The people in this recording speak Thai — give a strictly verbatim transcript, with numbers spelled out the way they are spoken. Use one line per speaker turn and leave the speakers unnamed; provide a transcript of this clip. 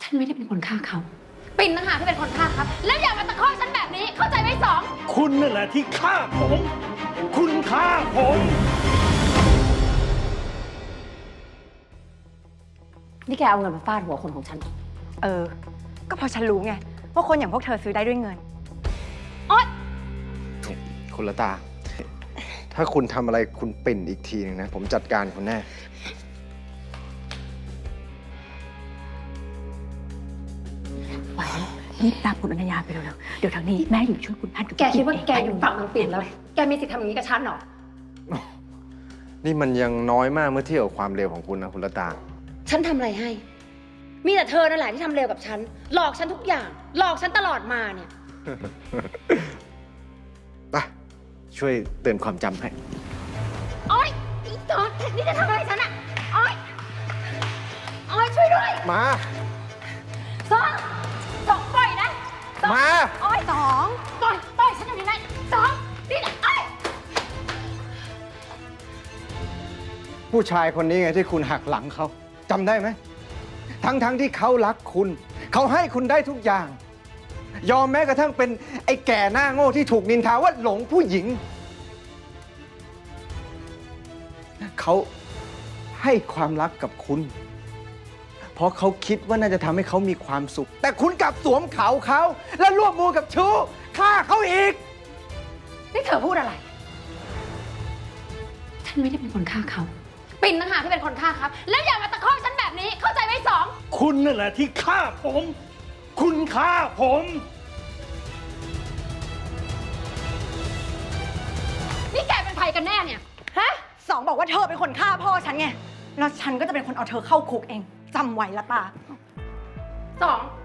ฉันไม่ได้เป็นคนฆ่าเขา
ปิ่นต่างหากที่เป็นคนฆ่าครับ แล้วอย่ามาตะคอกฉันแบบนี้เข้าใจไหมสอง
คุณนั่นแหละที่ฆ่าผม คุณฆ่าผม
นี่แกเอาเงินมาฟาดหัวคนของฉัน
เออ ก็เพราะฉันรู้ไงว่าคนอย่างพวกเธอซื้อได้ด้วยเงิน
คุณละตา ถ้าคุณทำอะไรคุณปิ่นอีกทีหนึงนะ ผมจัดการคุณแน่
ไปรีบตามคุณอนัญญาไปเร็วๆ เดี๋ยวทางนี้แม่อยู่ช่วยคุณพันกับ
แกคิดว่า
เง
แกอยู่ฝั่งนางปิ่นแล้ว แกมีสิทธิ์ทำอย่างนี้กับฉันเหรอ
นี่มันยังน้อยมากเมื่อเทียบกับความเร็วของคุณนะคุณละตา
ฉันทำอะไรให้ มีแต่เธอนั่นแหละที่ทำเร็วกับฉัน หลอกฉันทุกอย่าง หลอกฉันตลอดมาเนี่ย
ไป ช่วยเตือนความจำให้
โอ๊ยอีจอดนี่จะทำอะไรฉันอะโอ๊ยโอ๊ยช่วยด้วย
มา
สองสองปล่อยนะสอง
มา
โอ๊ยสองปล่อยปล่อยฉันอยู่ในนั้นสองนี่นะโอ๊ย
ผู้ชายคนนี้ไงที่คุณหักหลังเขาจำได้ไหม ทั้งๆทที่เขารักคุณ เขาให้คุณได้ทุกอย่าง ยอมแม้กระทั่งเป็นไอ้แก่หน้าโง่ที่ถูกนินทาว่าหลงผู้หญิง เขาให้ความรักกับคุณ เพราะเขาคิดว่าน่าจะทำให้เขามีความสุข แต่คุณกลับสวมเขาเขา และร่วมมือกับชู้ฆ่าเขาอีก
นี่เธอพูดอะไร
ฉันไม่ได้เป็นคนฆ่าเขา
ปิ่นต่างหากที่เป็นคนฆ่าครับ แล้วอย่ามาตะคอกฉันแบบนี้เข้าใจไหมสอง
คุณนั่นแหละที่ฆ่าผม คุณฆ่าผม
นี่แกเป็นใครกันแน่เนี่ย
ฮะ สองบอกว่าเธอเป็นคนฆ่าพ่อฉันไง แล้วฉันก็จะเป็นคนเอาเธอเข้าคุกเอง จำไว้ละตา
สอง